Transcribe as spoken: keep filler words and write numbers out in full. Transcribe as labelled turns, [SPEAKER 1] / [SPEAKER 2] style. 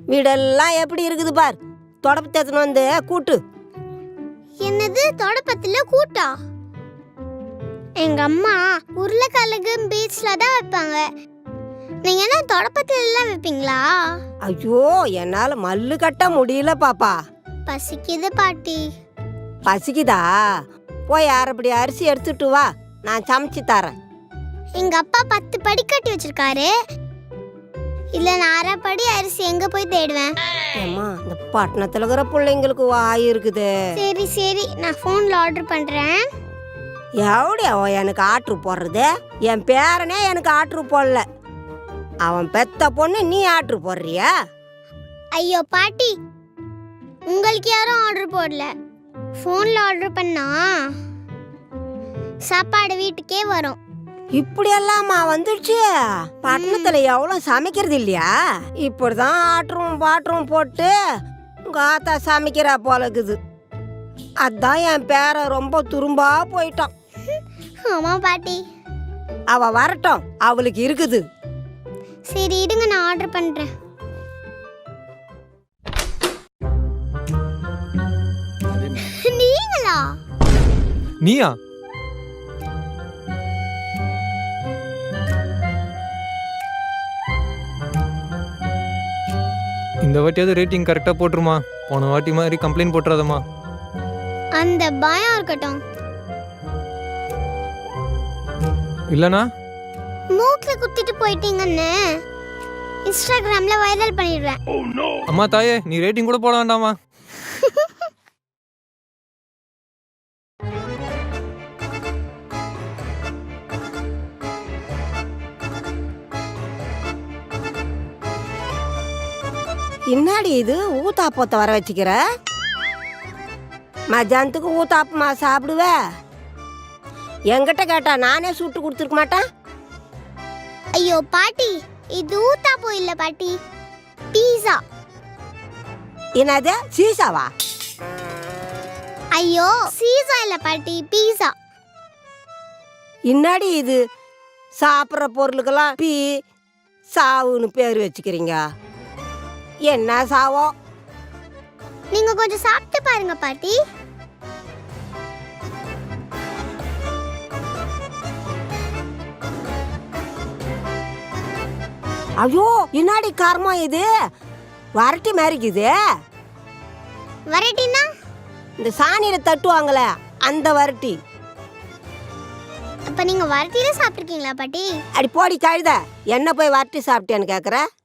[SPEAKER 1] வீடெல்லாம் எப்படி இருக்குது பார். தொடப்பத்தை எடுத்துன்னு வந்து கூட்டு.
[SPEAKER 2] என்னது தொடப்பத்துல கூட்டா? எங்க அம்மா உருளைக்கிழங்கு பீச்ல தான் வைப்பாங்க. நீங்க என்ன தொடப்பத்துல எல்லாம் வைப்பீங்களா?
[SPEAKER 1] ஐயோ, என்னால மல்லு கட்ட முடியல பாப்பா.
[SPEAKER 2] பசிக்குது பாட்டி.
[SPEAKER 1] பசிக்குதா? போய் அரைப்படி அரிசி எடுத்துட்டு வா, நான் சமைச்சு தரேன்.
[SPEAKER 2] எங்க அப்பா பத்து படி கட்டி வச்சிருக்காரு. இல்ல நான் அரைப்படி அரிசி எங்க போய் தேடுவேன்?
[SPEAKER 1] ஏம்மா, இந்த பட்டணத்துல இருக்கிற பிள்ளைங்களுக்கு வாய் இருக்குது.
[SPEAKER 2] சரி சரி, நான் போன்ல ஆர்டர் பண்றேன்.
[SPEAKER 1] எவடியா எனக்கு ஆர்டர் போடுறது? என் பேரனே எனக்கு ஆர்டர் போடல. அவன் பெத்த பொண்ணு நீ ஆர்டர் போடுறியா?
[SPEAKER 2] ஐயோ பாட்டி, உங்களுக்கு யாரும் ஆர்டர் போடல. போன்ல ஆர்டர் பண்ணா சாப்பாடு வீட்டுக்கே வரும்.
[SPEAKER 1] இப்படி எல்லாமா வந்துடுச்சு? பட்டணத்துல எவ்வளவு சமைக்கிறது இல்லையா? இப்படிதான் ஆட்டரும் பாட்டரும் போட்டு உங்க ஆத்தா சமைக்கிறா போல இருக்குது. அதான் என் பேர ரொம்ப துரும்பா போயிட்டான்.
[SPEAKER 2] ஆமா பாட்டி.
[SPEAKER 1] அவ வரட்டும், அவளுக்கு இருக்குது.
[SPEAKER 2] சரி இடுங்க, நான் ஆர்டர் பண்றேன். நீங்களா?
[SPEAKER 3] நீயா? இந்த வாட்டியாவது ரேட்டிங் கரெக்டா போட்டுருமா. போன வாட்டி மாதிரி கம்ப்ளைண்ட் போட்டுறாதம்மா.
[SPEAKER 2] அந்த பயம் இருக்கட்டும்.
[SPEAKER 3] இல்லனா
[SPEAKER 2] மூக்குல குத்திட்டு போயிட்டீங்கன்னு இன்ஸ்டாகிராம்ல வைரல் பண்ணிடுவேன்.
[SPEAKER 3] அம்மா தாயே, நீ ரேட்டிங் கூட போட வேண்டாமா.
[SPEAKER 1] என்னடி இது ஊத்தாப்பத்தை வர வச்சுக்கிற? மத்தியானத்துக்கு ஊத்தாப்பமா சாப்பிடுவ? என்கிட்ட கேட்டா நானே சுட்டு கொடுத்துருக்க மாட்டேன்.
[SPEAKER 2] ஐயோ பாட்டி, இது ஊத்தாப்பம் இல்ல பாட்டி, பீஸா.
[SPEAKER 1] என்னது சீசாவா?
[SPEAKER 2] ஐயோ சீசா இல்ல பாட்டி, பீஸா.
[SPEAKER 1] இன்னாடி இது சாப்பிட்ற பொருளுக்கெல்லாம் பீ சாவுன்னு பேர் வச்சுக்கிறீங்க. என்ன சாவோ?
[SPEAKER 2] நீங்க கொஞ்சம் சாப்பிட்டு பாருங்க பாட்டி.
[SPEAKER 1] ஐயோ, இன்னாடி காரமா இது? வரட்டி மாதிரிக்குது.
[SPEAKER 2] வரட்டினா
[SPEAKER 1] இந்த சாணியில தட்டுவாங்கள அந்த வரட்டி.
[SPEAKER 2] அப்ப நீங்க வரட்டில சாப்பிட்டுருக்கீங்களா பாட்டி?
[SPEAKER 1] அடி போடி கழுத, என்ன போய் வரட்டி சாப்பிட்டேன்னு கேக்குற?